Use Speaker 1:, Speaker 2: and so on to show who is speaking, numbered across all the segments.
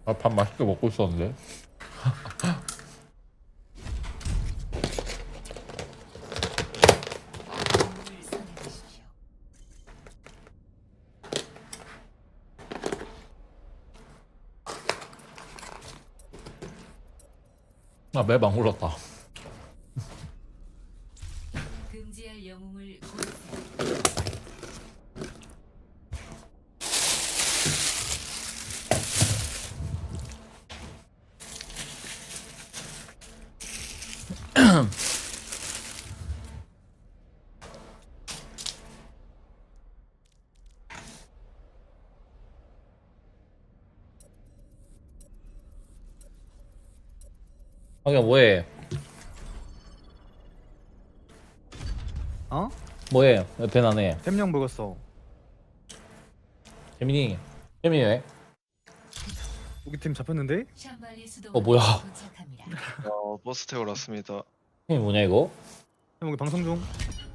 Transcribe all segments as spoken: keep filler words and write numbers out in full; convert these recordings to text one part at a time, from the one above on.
Speaker 1: 아, 밥 맛있게 먹고 있었는데. 아, 맵 안 굴렀다.
Speaker 2: 금지할 영웅을 고르세요.
Speaker 1: 하기야 뭐해?
Speaker 3: 어?
Speaker 1: 뭐해? 왜 배 나네?
Speaker 3: 햄령 먹었어.
Speaker 1: 재민이. 재민이 왜?
Speaker 3: 우리 팀 잡혔는데?
Speaker 2: 샴발리 수도
Speaker 1: 어, 뭐야?
Speaker 2: 도착합니다.
Speaker 4: 어, 버스 태우러 왔습니다.
Speaker 1: 재민이 뭐냐 이거?
Speaker 3: 형 우리 방송 중.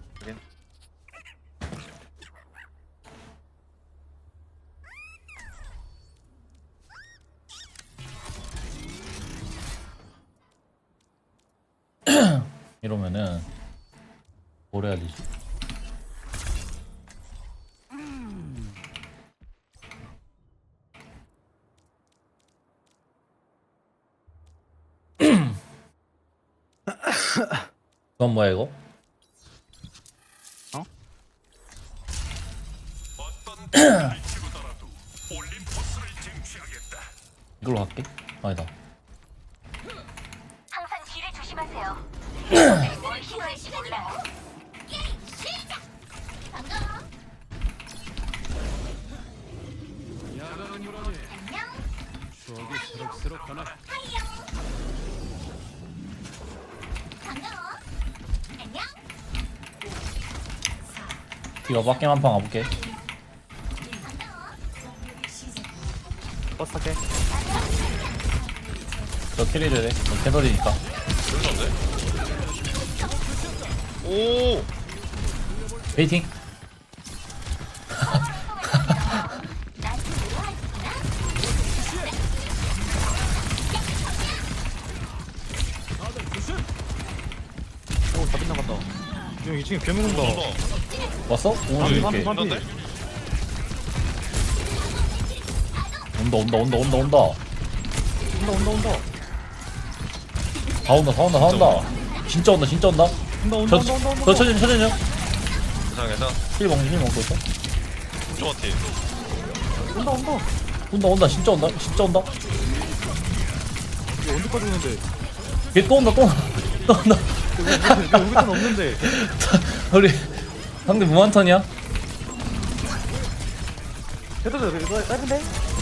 Speaker 1: 이러면은 뭘 해야 되지? 그건 뭐야 이거?
Speaker 3: 어?
Speaker 1: 이걸로 갈게? 아니다.
Speaker 5: 항상 뒤를 조심하세요. 뭘 시도할 시간이라고. 게임 시작. 반가워. 안녕.
Speaker 6: 추억이 새록새록 하나
Speaker 5: 하이요. 반가워. 안녕.
Speaker 1: 이거 밖에 한판 가볼게.
Speaker 3: 버스 탈게.
Speaker 1: 저 캐리를 해. 저 캐서리니까.
Speaker 4: 오!
Speaker 1: 베이팅.
Speaker 3: 오, 다 빗나갔다. 형 이 층에 괴물 온다.
Speaker 1: 왔어? 오,
Speaker 3: 반피,
Speaker 1: 이렇게.
Speaker 3: 반피, 반피.
Speaker 4: 그런데?
Speaker 1: 온다, 온다, 온다, 온다, 온다.
Speaker 3: 온다, 온다, 온다.
Speaker 1: 다 온다, 다 온다, 다 온다. 진짜 온다, 진짜 온다.
Speaker 3: 온다, 온다,
Speaker 1: 저,
Speaker 3: 온다, 온다, 온다.
Speaker 1: 저 천연, 천연요?
Speaker 4: 괜찮아, 괜찮아.
Speaker 1: 힐 먹는 힐 먹고 있어.
Speaker 4: 조마티.
Speaker 3: 온다, 온다.
Speaker 1: 온다, 온다, 진짜 온다, 진짜 온다.
Speaker 3: 이거 언제까지 오는데?
Speaker 1: 얘 또 온다, 또 온다, 또 온다.
Speaker 3: 여기 우리 턴 없는데.
Speaker 1: 우리 상대 무한턴이야?
Speaker 3: 해도 돼, 이거 짧은데?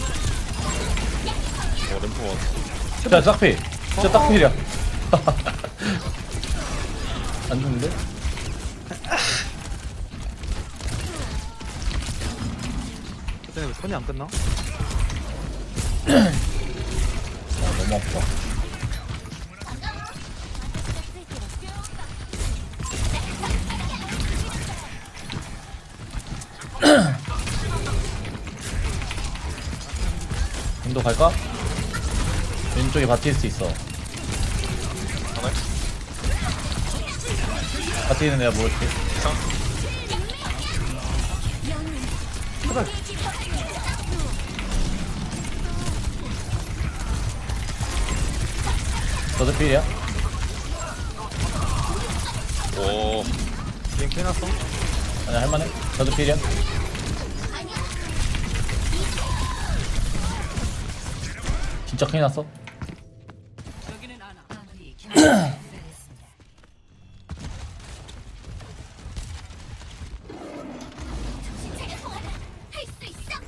Speaker 4: 어, 램프 왔어.
Speaker 1: 진짜 짝필. 진짜 짝필이야. 안 죽는데?
Speaker 3: 그때 왜 턴이 안 끝나?
Speaker 1: 아, 너무 아파. 인도 갈까? 왼쪽에 바티스트 있어.
Speaker 4: 하나?
Speaker 1: 바티는 내가 모를게.
Speaker 4: 이상?
Speaker 1: 너도 필이야?
Speaker 4: 오,
Speaker 3: 게임 해놨어?
Speaker 1: 아니 할만해? 너도 필이야? 진짜 큰일 났어?
Speaker 2: 아무리 경험을 기다렸습니다.
Speaker 5: 할 수 있어.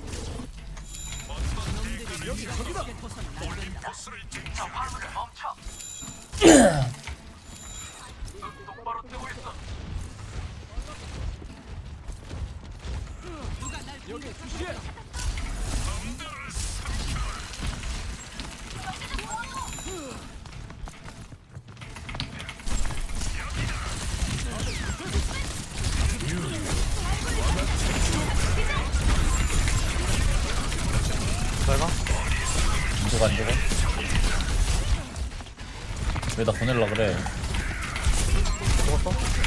Speaker 3: 잘 가.
Speaker 1: 죽어 안 죽어? 왜 나 보낼라 그래?
Speaker 3: 죽었어?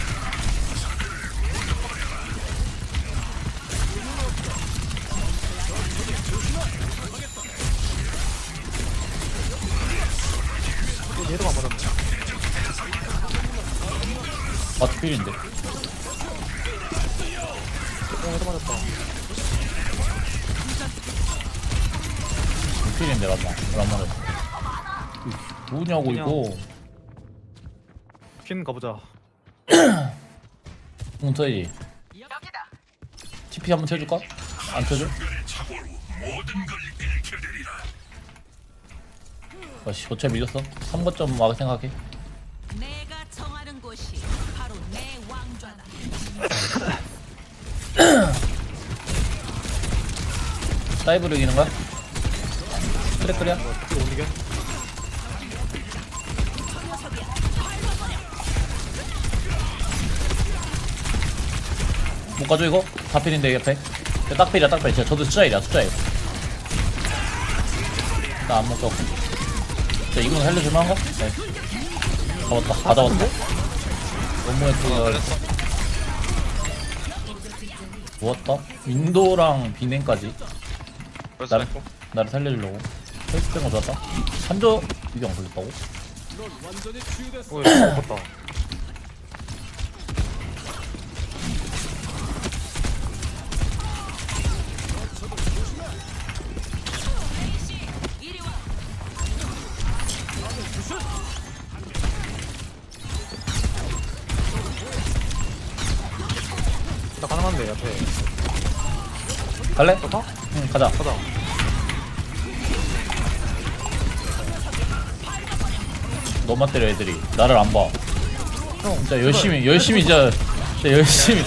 Speaker 3: 또 얘도 안 맞았네.
Speaker 1: 마트 필인데.
Speaker 3: 어, 얘도 맞았다.
Speaker 1: 필인데 맞나? 왜안 맞았어? 누구냐고
Speaker 3: 그냥-
Speaker 1: 이거?
Speaker 3: 퀸 가보자.
Speaker 1: 웅터이. 티피 한번 쳐줄까? 안 쳐줘? 아씨 어차피 밀렸어. 삼 거점 막 생각해.
Speaker 7: 내가 정하는 곳이 바로 내 왕좌다.
Speaker 1: 다이브로 이기는 거야? 그래 그래.
Speaker 3: 이거 못 이겨?
Speaker 1: 못 가져 이거? 다 필인데 옆에. 야, 딱 필이야 딱 필. 진짜 저도 숫자 일이야 숫자 일. 나 안 먹어. 자 이거는 살려줄만 한가? 네. 잡았다. 다 잡았다. 너무
Speaker 4: 어,
Speaker 1: 예쁘게
Speaker 4: 걸렸어.
Speaker 1: 모았다. 윈도랑 비냉까지
Speaker 4: 벌써
Speaker 1: 나를
Speaker 4: 했고.
Speaker 1: 나를 살려주려고. 헬스된 거 좋았다. 한조 이게 안 걸렸다고?
Speaker 6: 넌 완전히 치유됐어.
Speaker 3: 어, 얘 죽었다.
Speaker 7: 이리 와.
Speaker 3: 나 가능한데, 앞에.
Speaker 1: 갈래?
Speaker 3: 좋다?
Speaker 1: 응 가자.
Speaker 3: 가자.
Speaker 1: 너만 때려 애들이 나를 안 봐.
Speaker 3: 형,
Speaker 1: 진짜 열심히 열심히 진짜, 진짜 열심히.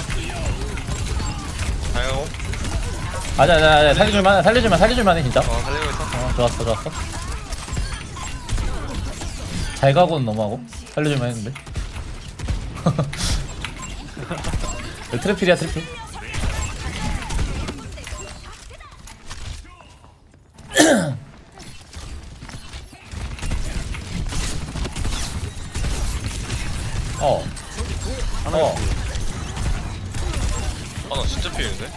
Speaker 4: 다행하고.
Speaker 1: 아자 아자 아자 살려줄만 살려줄만 살려줄만해 진짜.
Speaker 4: 어, 살리고 있어.
Speaker 1: 어 좋았어 좋았어. 잘 가고는 너무하고 살려줄만 했는데. 트래필이야 트래필. 어. 어.
Speaker 4: 아, 나 진짜 피했는데?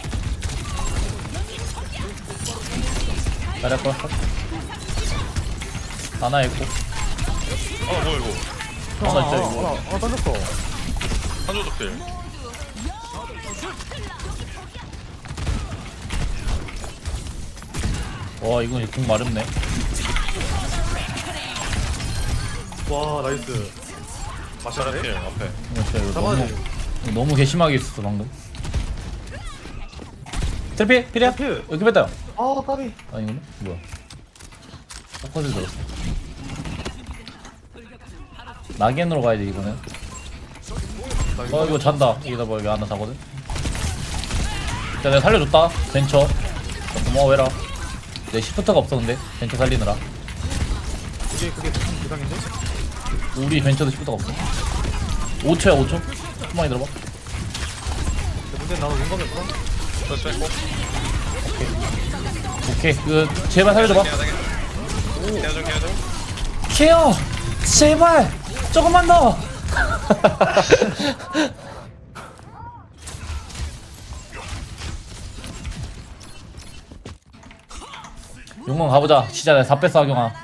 Speaker 1: 잘할 것 같아. 하나 있고.
Speaker 4: 아, 뭐야, 이거.
Speaker 1: 하나
Speaker 3: 아,
Speaker 1: 있죠 이거.
Speaker 3: 아, 아, 던졌어.
Speaker 4: 한조도 필.
Speaker 1: 와 이건 궁 마렵네.
Speaker 3: 와, 나이스.
Speaker 4: 마샤라 필, 앞에.
Speaker 1: 이거 진짜 이거
Speaker 3: 잡아야
Speaker 1: 너무
Speaker 3: 돼.
Speaker 1: 이거 너무 괘씸하게 있었어 방금. 트래필 필이야?
Speaker 3: 필.
Speaker 1: 여기 뺐다.
Speaker 3: 아, 까비.
Speaker 1: 아니구나. 뭐야? 포커스 들었어. 낙엔으로 가야 돼 이거는. 어 이거 잔다. 이기다 봐. 이거 하나 자거든. 자 내가 살려줬다. 벤처. 자, 고마워해라. 내 시프트가 없어 근데 벤처 살리느라.
Speaker 3: 그게, 그게 무슨 부상인데?
Speaker 1: 우리 벤처도 시프트가 없어. 오 초야 오 초. 한번에 들어봐.
Speaker 3: 근데 문제는 나도 용감이 없어.
Speaker 4: 벌써 했고.
Speaker 1: 오케이. 그 제발 살려줘봐.
Speaker 4: 해야 되겠다. 케어 좀, 케어 좀.
Speaker 1: 케어. 제발. 조금만 더. 용건 가보자. 진짜 내가 다 뺐어 하경아.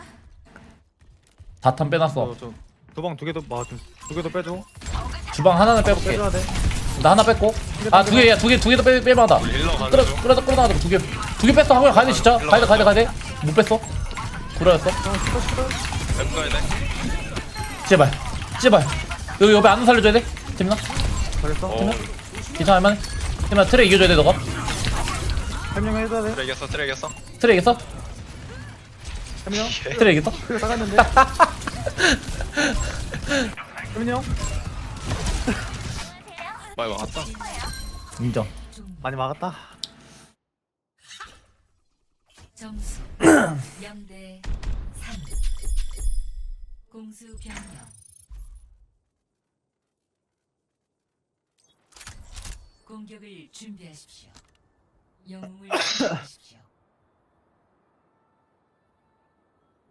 Speaker 1: 다탄 빼놨어.
Speaker 3: 저, 저, 도방 두 개도, 마, 좀, 두 개도 빼줘.
Speaker 1: 주방 하나는 빼볼게.
Speaker 3: 빼줘야 돼.
Speaker 1: 나 하나 뺐고. 아 두 개야 두 개 두 개도 빼 빼봐다.
Speaker 4: 우리 힐러 가는
Speaker 1: 끌어
Speaker 4: 중.
Speaker 1: 끌어 끌어 나가자 두 개. 두 개 뺐어 하경아 가야 돼 진짜. 가야 돼 가야 돼 가야 돼. 못 뺐어. 구라였어.
Speaker 4: 앱 가야 돼.
Speaker 1: 제발 제발. 여기 옆에 안 살려줘야 돼. 재민아.
Speaker 3: 잘했어.
Speaker 4: 어,
Speaker 1: 괜찮아 할만해. 재민아 트레 이겨줘야 돼 너가.
Speaker 3: 설명을 해줘야 돼.
Speaker 4: 트레 이겼어, 트레 이겼어.
Speaker 1: 트레 이겼어?
Speaker 3: 설명.
Speaker 1: 트레 이겼어?
Speaker 3: 그래, 나갔는데. 설명.
Speaker 4: 많이 막았다.
Speaker 1: 인정.
Speaker 3: 많이 막았다.
Speaker 2: 점수 영 대 삼. 공수 변경. 공격을 준비하십시오. 영웅을 준비하십시오.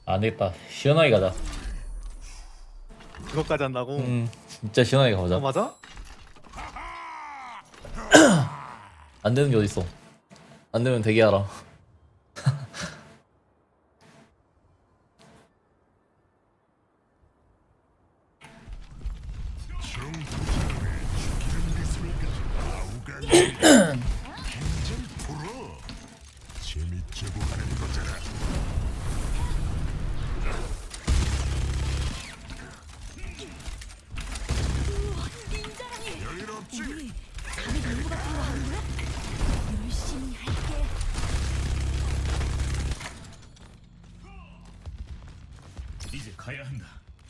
Speaker 1: 안 되겠다. 시원하게 가자.
Speaker 3: 그것까지 한다고?
Speaker 1: 음, 진짜 시원하게 가보자.
Speaker 3: 어 맞아?
Speaker 1: 안 되는 게 어딨어. 안 되면 되게 알아.
Speaker 6: 이제 가야 한다.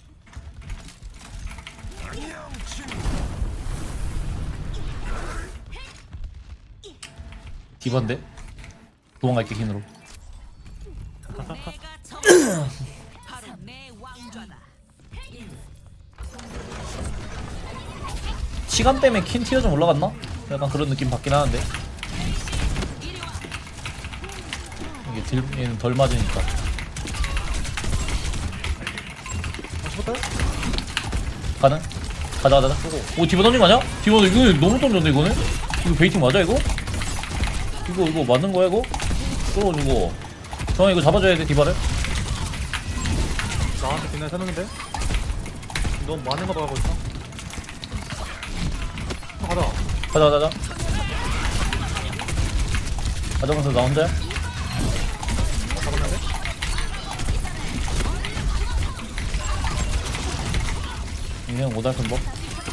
Speaker 1: 디반데? 도망갈게 흰으로.
Speaker 7: 내가 정하는 곳이 바로 내 왕좌다.
Speaker 1: 시간 때문에 킨 티어 좀 올라갔나? 약간 그런 느낌 받긴 하는데. 이게 딜, 얘는 덜 맞으니까. 가능? 가자 가자 가자. 오 디바 던진 거 아니야? 디바 이거 너무 던졌네 이거는? 이거 베이팅 맞아 이거? 이거 이거 맞는 거야 이거? 떨어지고 정아 이거 잡아줘야 돼 디바를.
Speaker 3: 나한테 빛나는 사는데? 너무 많은 거 봐가고 있어. 어, 가자.
Speaker 1: 가자 가자 가자. 가자면서 나 혼자야?
Speaker 3: 잡았는데?
Speaker 1: 그냥 오달 큰 법.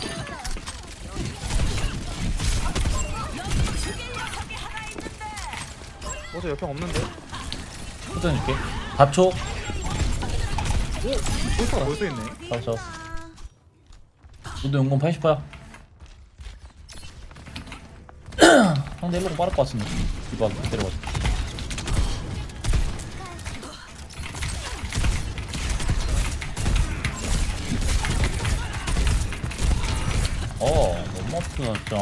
Speaker 3: 어제 역행 없는데?
Speaker 1: 후전 줄게. 밥초.
Speaker 3: 벌써 벌써 있네.
Speaker 1: 잡았어. 너도 용건 팔십 퍼야. 상대 일로가 빠를 것 같은데. 디바 때려가지고. 어 너무 아프다 진짜.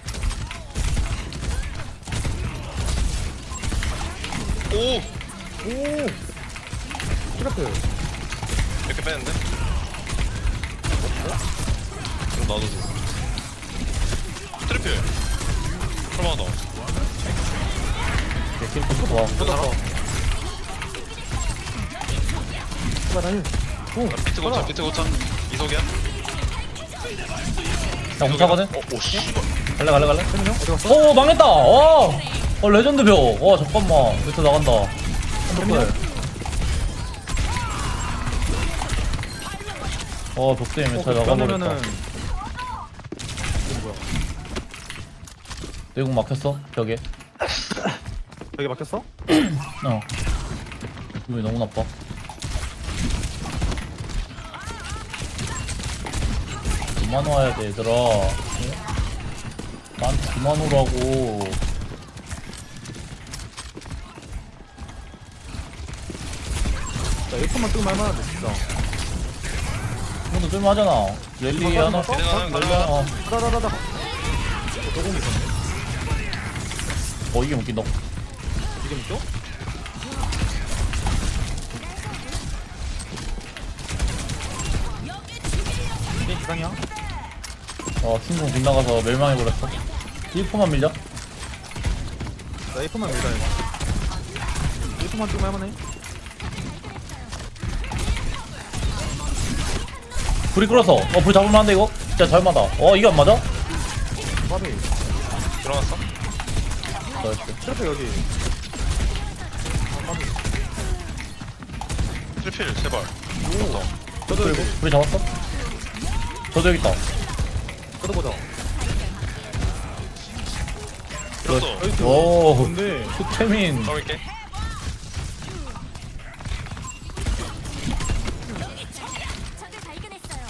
Speaker 4: 오!
Speaker 3: 오! 트래프.
Speaker 4: 이렇게 빼는데? 그럼 나도 돼. 트리플. 설마 너.
Speaker 1: 킬프 좋아.
Speaker 3: 쏟았어. 봐, 나는. 오!
Speaker 4: 비트 고차, 비트 고차. 이속이야?
Speaker 1: 나 공차거든?
Speaker 4: 어, 오, 씨.
Speaker 1: 갈래 갈래 갈래?
Speaker 3: 세민이 형? 어디 갔어?
Speaker 1: 오 망했다. 와. 어 레전드 벽. 와 잠깐만. 밑에 나간다. 핸드폰. 어 벽대에 밑에 나가버렸다.
Speaker 3: 그러면은 이거 뭐야?
Speaker 1: 내공 막혔어 벽에.
Speaker 3: 여기 막혔어?
Speaker 1: 어. 기분이 너무 나빠. 그만 와야 돼 얘들아. 어? 나한테 그만 오라고.
Speaker 3: 자, 일분만 뜨면 할만한데 진짜.
Speaker 1: 이것도 뜰만하잖아. 랠리 하나.
Speaker 4: 걔네 하나
Speaker 1: 랠리
Speaker 4: 날라.
Speaker 1: 하나. 어,
Speaker 3: 다다다다. 조금 있었네.
Speaker 1: 어 이게 웃긴다.
Speaker 3: 지금 있죠? 이게 기상이야?
Speaker 1: 어 킹공 빗나가서 멸망해버렸어. 일 포만 밀자.
Speaker 3: 나 일분만 밀자 이거. 일분만 뜨면 할만해.
Speaker 1: 불이 끌었어. 어 불 잡을만 한데 이거? 진짜 잘 맞아. 어 이게 안 맞아?
Speaker 3: 바비.
Speaker 4: 들어갔어?
Speaker 1: 나이스.
Speaker 3: 트래프 여기. 아, 바비.
Speaker 4: 트리플, 제발. 오.
Speaker 3: 저도 여기.
Speaker 1: 불이 잡았어? 저도 여기 있다.
Speaker 3: 저도 보자.
Speaker 4: 들었어.
Speaker 1: 오
Speaker 3: 뭔데?
Speaker 1: 수태민.
Speaker 4: 가볼게.
Speaker 5: 적을 발견했어요.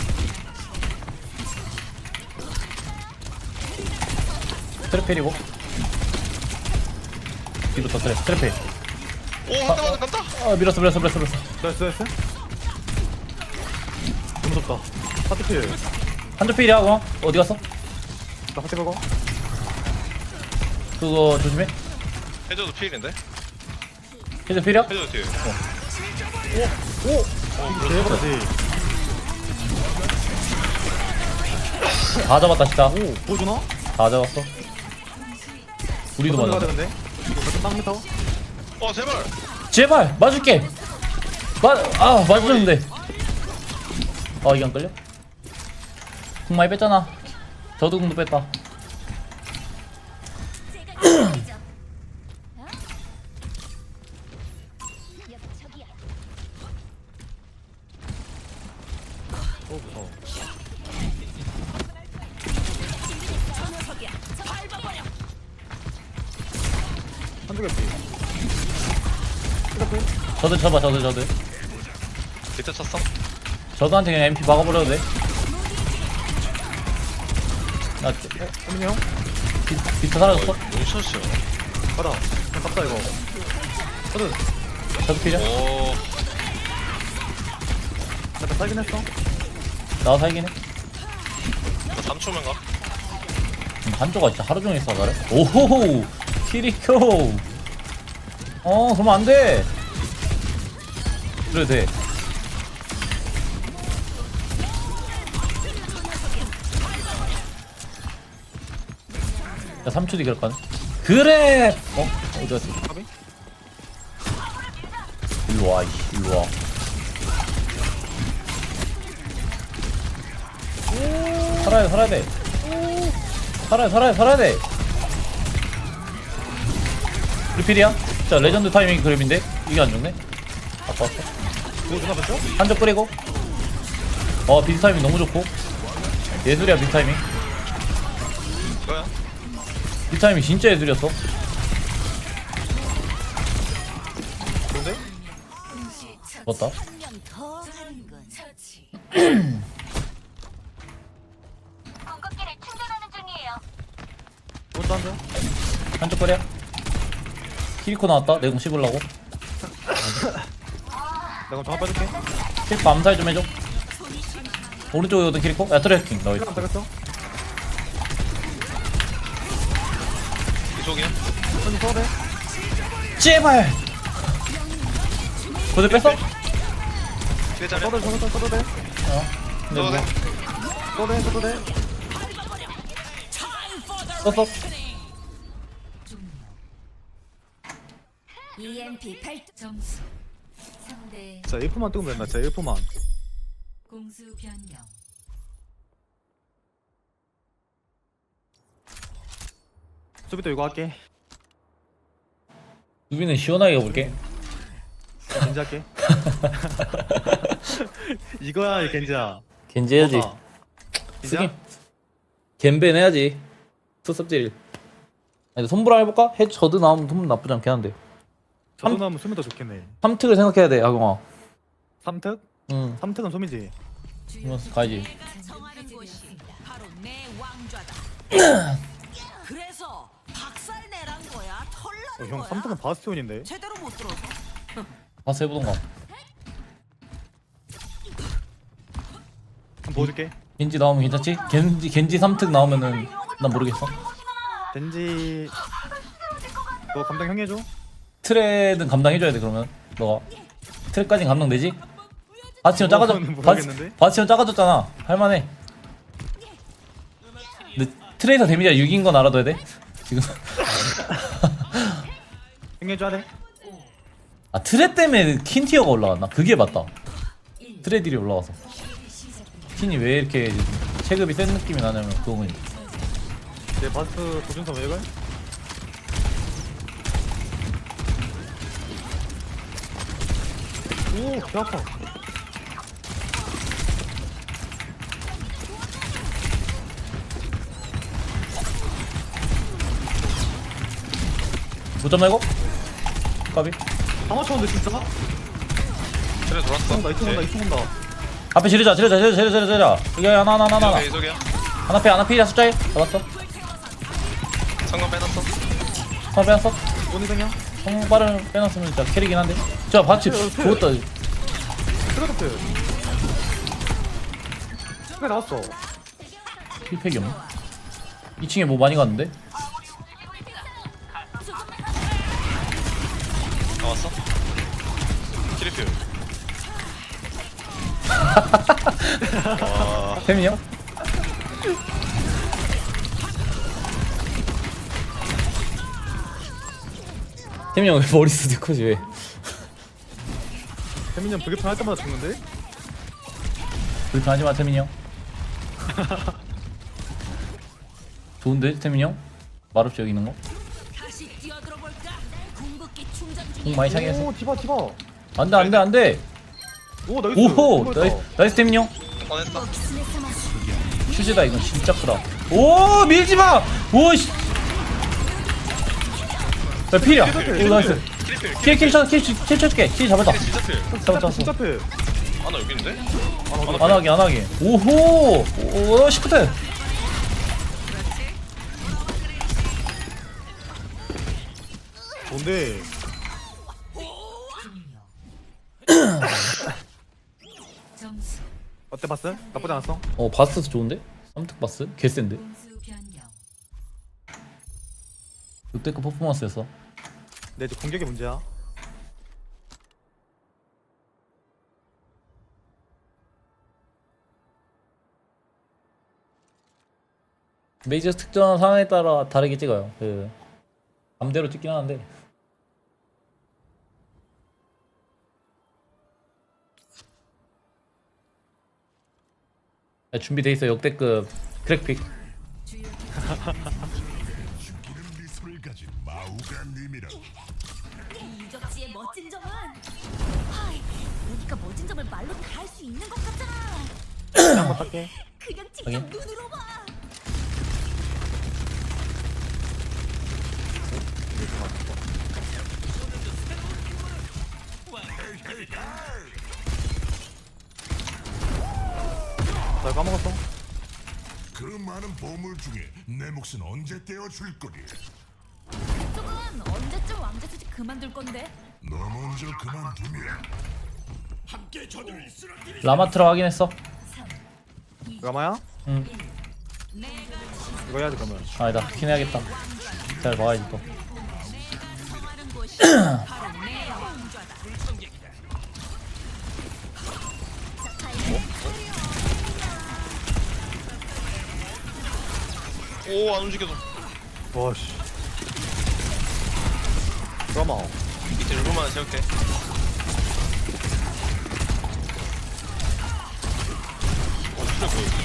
Speaker 1: 트래필이고. 뒤부터 트래. 트래필.
Speaker 4: 오, 한 대만 간다.
Speaker 1: 아 밀었어 밀었어 밀었어 밀었어.
Speaker 3: 나이스 나이스. 너무 무섭다. 하트필.
Speaker 1: 한쪽 필이야 어? 어디 갔어?
Speaker 3: 나 하트 걸고.
Speaker 1: 그거 조심해.
Speaker 4: 해줘도 필인데?
Speaker 1: 헤드 필이야?
Speaker 4: 해줘도 뒤에.
Speaker 3: 대박이지.
Speaker 1: 다 잡았다 진짜.
Speaker 3: 오, 보여주나?
Speaker 1: 다 잡았어. 우리도
Speaker 3: 어떤
Speaker 1: 맞아.
Speaker 3: 데가 되는데? 이거 같은 땅 미터?
Speaker 4: 어 제발.
Speaker 1: 제발 맞을게. 맞아 맞았는데. 아 이게 안 끌려? 궁 많이 뺐잖아. 저도 궁도 뺐다.
Speaker 5: 제가 이겨드리죠. 어? 여기 저기야.
Speaker 3: 오, 무서워. 한두 개피.
Speaker 1: 저도 쳐봐 저도 저도.
Speaker 4: 밑에 쳤어?
Speaker 1: 저도한테 그냥 엠피 박아버려도 돼. 나
Speaker 3: 호민이 형?
Speaker 1: 비, 비트 사라졌어?
Speaker 4: 용샷이야.
Speaker 3: 가다. 그냥 갑다 이거. 저도
Speaker 1: 저도 필요?
Speaker 4: 오.
Speaker 3: 약간 살긴 했어.
Speaker 1: 나도 살긴 해.
Speaker 4: 나 삼 초면 가.
Speaker 1: 음, 한조가 진짜 하루 종일 싸가래? 오호호! 키리코! 어, 그러면 안 돼! 그래, 돼. 야, 삼 초 뒤 그럴 거네. 그래! 어? 어디 갔어?
Speaker 3: 가비?
Speaker 1: 일로 와, 이씨, 일로 와. 살아야 돼, 살아야 돼. 살아야 돼, 살아야 돼, 살아야 돼. 리필이야? 자, 레전드 타이밍 그림인데? 이게 안 좋네? 아까 왔어.
Speaker 3: 그거 누나 봤죠?
Speaker 1: 한쪽 뿌리고. 어, 비트 타이밍 너무 좋고. 예술이야, 비트 타이밍.
Speaker 4: 이거야?
Speaker 1: 비트 타이밍 진짜 예술이었어.
Speaker 3: 좋은데?
Speaker 2: 동시 처치.
Speaker 1: 맞다.
Speaker 7: 더 하는군.
Speaker 2: 처치.
Speaker 5: 궁극기를 충전하는 중이에요.
Speaker 3: 그것도 한 점.
Speaker 1: 한쪽 뿌리야. 키리코 나왔다. 내공 씹으려고.
Speaker 3: 내가 정확 빠질게.
Speaker 1: 키리코 암살 좀 해줘. 오른쪽에 오던 키리코? 야, 트래킹. 너
Speaker 3: 시간 빼겠어?
Speaker 4: 이쪽이야?
Speaker 3: 손이 써도 돼?
Speaker 1: 제발! 고대 뺐어?
Speaker 4: 뒤에 자리.
Speaker 3: 써도 돼, 써도 돼, 써도 돼.
Speaker 1: 어. 근데
Speaker 4: 써도 돼.
Speaker 1: 뭐,
Speaker 3: 써도 돼, 써도 돼.
Speaker 1: 썼어?
Speaker 2: 종료.
Speaker 5: 이엠피 발동.
Speaker 2: 점수 삼 대
Speaker 3: 자, F만 뜨면 된다, 진짜 F만.
Speaker 2: 공수 변경.
Speaker 3: 수비도 이거 할게.
Speaker 1: 유비는 시원하게 가볼게.
Speaker 3: 겐지 할게. 이거야, 이 겐지야.
Speaker 1: 겐지 해야지.
Speaker 3: 뭐다?
Speaker 1: 쓰긴.
Speaker 3: 겐지야?
Speaker 1: 겐벤 해야지. 수습질. 아니, 손보라 해볼까? 해 저드 나오면 손 나쁘지 않긴 한데.
Speaker 3: 저도 나오면 수미 더 좋겠네.
Speaker 1: 삼 특을 생각해야 돼, 아경아.
Speaker 3: 삼특?
Speaker 1: 응.
Speaker 3: 삼특은 소미지.
Speaker 1: 그러면 가야지.
Speaker 7: 정하는 곳이 바로 내 왕좌다. 그래서 박살 내란 거야.
Speaker 3: 어,
Speaker 7: 털나는
Speaker 3: 형,
Speaker 7: 거야.
Speaker 3: 삼특은 바스티온인데?
Speaker 7: 제대로 못 들어서.
Speaker 1: 가서 해보던가.
Speaker 3: 한번 보여줄게.
Speaker 1: 겐지 나오면 괜찮지? 겐지, 겐지 삼 특 나오면은 난 모르겠어.
Speaker 3: 겐지. 너 감당 형이 해줘?
Speaker 1: 트레는 감당해줘야 돼, 그러면. 너가. 트레까진 감당되지? 바스티온 작아졌,
Speaker 3: 그거는
Speaker 1: 바스,
Speaker 3: 모르겠는데?
Speaker 1: 바스티온 작아졌잖아. 할만해. 근데 트레이서 데미지가 육인 건 알아둬야 돼? 지금.
Speaker 3: 형이 해줘야 돼?
Speaker 1: 아, 트레 때문에 킨티어가 올라갔나? 그게 맞다. 트레 딜이 올라가서. 킨이 왜 이렇게 체급이 센 느낌이 나냐면 그거는.
Speaker 3: 내 바스 도준선 왜 이걸? 오, 개 아파.
Speaker 1: 무점 말고? 까비.
Speaker 3: 다 맞췄는데 진짜?
Speaker 4: 트레 돌았어.
Speaker 3: 온다, 이쪽 온다, 이쪽 온다.
Speaker 1: 앞에 지르자, 지르자, 지르자, 지르자, 지르자. 여기 하나, 하나, 하나, 하나.
Speaker 4: 이쪽이야 이쪽이야.
Speaker 1: 하나 패, 하나 패야 숫자에. 잡았어.
Speaker 4: 상관 빼놨어.
Speaker 1: 하나 빼놨어.
Speaker 3: 원희생이야?
Speaker 1: 성공 빠른 빼놨으면 진짜 캐리긴 한데. 자, 바치
Speaker 3: 어, 그-
Speaker 1: 죽었다.
Speaker 3: 트레더트. 왜 나왔어?
Speaker 1: 힐팩이 없네. 이 층에 뭐 많이 갔는데?
Speaker 4: 나왔어. 키리필. 와.
Speaker 1: 태민이 형? 태민이 형 왜 머리 쓰지 커지 왜?
Speaker 3: 태민이 형 불교편 할 때마다 죽는데?
Speaker 1: 불편하지 마 태민이 형. 좋은데 태민이 형? 말없이 여기 있는 거?
Speaker 7: 다시 뛰어들어 볼까? 궁극기 충전
Speaker 1: 공
Speaker 7: 중이야.
Speaker 1: 많이 차게 했어.
Speaker 3: 오 디바 디바.
Speaker 1: 안돼 안돼 안돼.
Speaker 3: 오 나이스.
Speaker 1: 오호
Speaker 3: 이거였다.
Speaker 1: 나이스 나이스 태민이 형.
Speaker 4: 꺼냈어.
Speaker 1: 휴지다 이건 진짜 크다. 오 밀지 마. 오씨. 야 필이야. 오 나이스.
Speaker 4: 킬필.
Speaker 1: 킬킬 쳐 킬 킬 쳐줄게. 킬 잡았다.
Speaker 4: 킬이 진짜 필.
Speaker 1: 잡았다 잡았어.
Speaker 3: 진짜 패.
Speaker 4: 아나 여기 있는데?
Speaker 1: 안 하게 안 하게. 오호. 오 시프트.
Speaker 3: 뭔데?
Speaker 2: 점수
Speaker 3: 어때 봤어? 나쁘지 않았어?
Speaker 1: 어 바스 좋은데? 삼특 바스? 개센데?
Speaker 2: 공수 변경.
Speaker 1: 역대급 퍼포먼스였어.
Speaker 3: 내 이제 공격이 문제야.
Speaker 1: 메이저 특정 상황에 따라 다르게 찍어요. 그 맘대로 찍긴 하는데. 야, 준비돼 있어 역대급 크랙픽.
Speaker 2: 주요
Speaker 8: 기름 미소를 가진 마우가님이라
Speaker 5: 유적지의 멋진 점은 하이, 여기가 멋진 점을 말로 다 할 수 있는 것 같잖아.
Speaker 3: 한번 탈게.
Speaker 5: 그냥 직접
Speaker 1: 확인.
Speaker 5: 눈으로 봐.
Speaker 3: 나 까먹었어.
Speaker 8: 그 많은 보물 중에 내 몫은 언제 떼어줄 거리.
Speaker 5: 그쪽은 언제쯤 왕자 수집 그만둘 건데?
Speaker 8: 너 먼저 그만두면
Speaker 1: 라마트라 확인했어.
Speaker 3: 라마야?
Speaker 1: 응.
Speaker 3: 이거 해야지 그러면.
Speaker 1: 아니다. 킨 해야겠다. 잘 봐야지 또.
Speaker 7: 정하는 곳이 바로 내 왕좌다.
Speaker 4: 오 안 움직여도.
Speaker 3: 와씨. 라마.
Speaker 4: 밑에 일부만 세울게. 어 진짜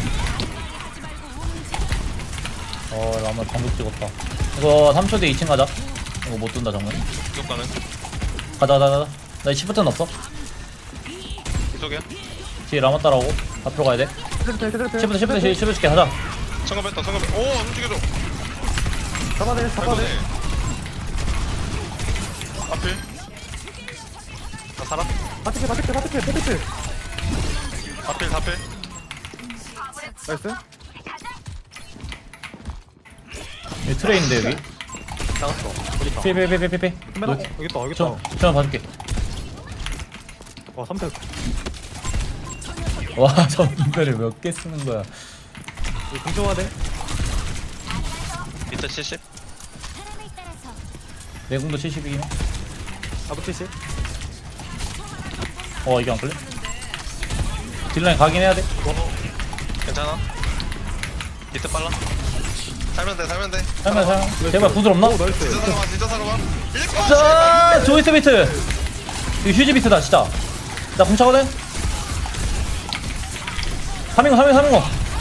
Speaker 4: 그
Speaker 1: 어 라마 방금 찍었다. 이거 삼 초 뒤에 이 층 가자. 이거 못 둔다 정말.
Speaker 4: 이쪽 가는.
Speaker 1: 가자 가자 가자. 나 시프트는 없어.
Speaker 4: 이쪽이야.
Speaker 1: 뒤에 라마 따라오고 앞으로 가야 돼.
Speaker 3: 트래플 트래플.
Speaker 1: 시프트 시프트 시프트 시프트 줄게 가자.
Speaker 4: 성공 뺐다 성공 뺐. 오안 움직여줘.
Speaker 3: 잡아내 잡아내.
Speaker 4: 아이고네. 앞에. 나 살아.
Speaker 3: 바티케 바티케 바티케 바티케.
Speaker 4: 앞에 앞에.
Speaker 3: 나이스.
Speaker 1: 여기 트레인인데 여기.
Speaker 3: 나갔어. 어디 있다?
Speaker 1: 피피피피피피.
Speaker 3: 맨 앞- 여기 있다 여기 있다.
Speaker 1: 저 저만 봐줄게.
Speaker 3: 와 삼택.
Speaker 1: 와 전멸을 몇 개 쓰는 거야.
Speaker 3: 이거 공정화 돼?
Speaker 4: 밑에 칠십.
Speaker 5: 사람을 따라서
Speaker 1: 내공도 칠십이긴 해.
Speaker 3: 나도 칠십.
Speaker 1: 어 이게 안 걸려? 딜라인 가긴 해야 돼.
Speaker 4: 괜찮아. 밑에 빨라. 살면 돼 살면 돼.
Speaker 1: 살면 살면. 제발 구슬 없나?
Speaker 3: 오 나이스.
Speaker 4: 진짜 살아봐 진짜 살아봐. 일곱.
Speaker 1: 자 조이스 비트. 이거 휴지 비트다 진짜. 나 공차거든. 삼인거 삼인거 삼인거.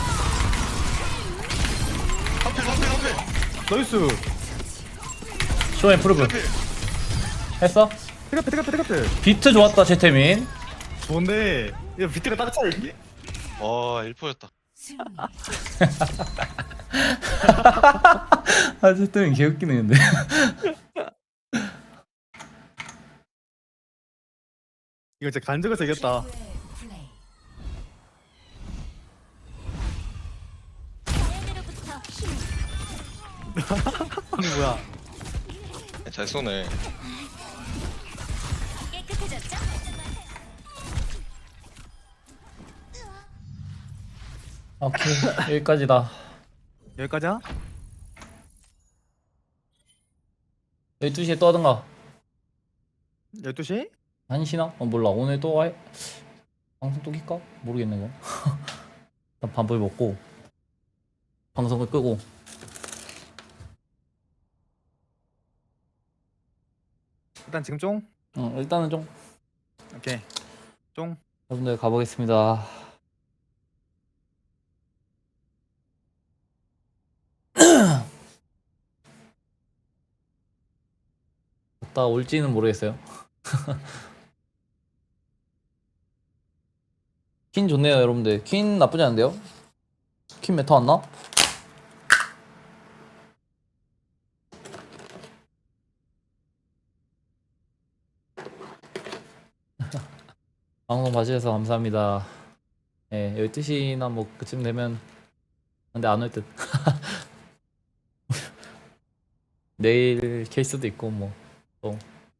Speaker 4: 하필 하필 하필.
Speaker 3: 나이스.
Speaker 1: 쇼앤 프루브.
Speaker 4: 하필.
Speaker 1: 했어?
Speaker 3: 트래플 트래플 트래플.
Speaker 1: 비트 좋았다 제태민.
Speaker 3: 좋은데 이거 비트가 딱 차야 이게?
Speaker 4: 와 일 퍼였다.
Speaker 2: 승리.
Speaker 1: 아 제태민 개웃기네 근데.
Speaker 3: 이거 진짜 간적에서 이겼다.
Speaker 2: 플레이.
Speaker 5: 얘네로부터 힘.
Speaker 3: 아니 뭐야?
Speaker 4: 잘 쏘네.
Speaker 5: 깨끗해졌죠?
Speaker 1: 오케이 여기까지다.
Speaker 3: 여기까지야?
Speaker 1: 열두 시에 또 하던가.
Speaker 3: 열두 시?
Speaker 1: 한 시나? 어 몰라 오늘 또 해. 방송 또 킬까? 모르겠네 이거. 일단 밥을 먹고 방송을 끄고.
Speaker 3: 일단 지금 쫑?
Speaker 1: 응, 일단은 좀
Speaker 3: 오케이. 쫑.
Speaker 1: 여러분들 가보겠습니다. 갔다 올지는 모르겠어요. 퀸 좋네요 여러분들. 퀸 나쁘지 않은데요? 퀸 메타 왔나? 방송 봐주셔서 감사합니다. 예, 열두 시나 뭐 그쯤 되면 근데 안 올 듯. 내일 킬 수도 있고 뭐 또.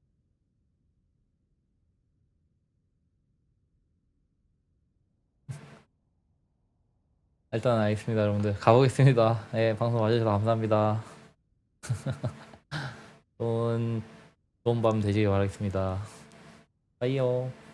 Speaker 1: 일단 알겠습니다 여러분들. 가보겠습니다. 예, 방송 봐주셔서 감사합니다. 좋은 좋은 밤 되시길 바라겠습니다. 빠이요.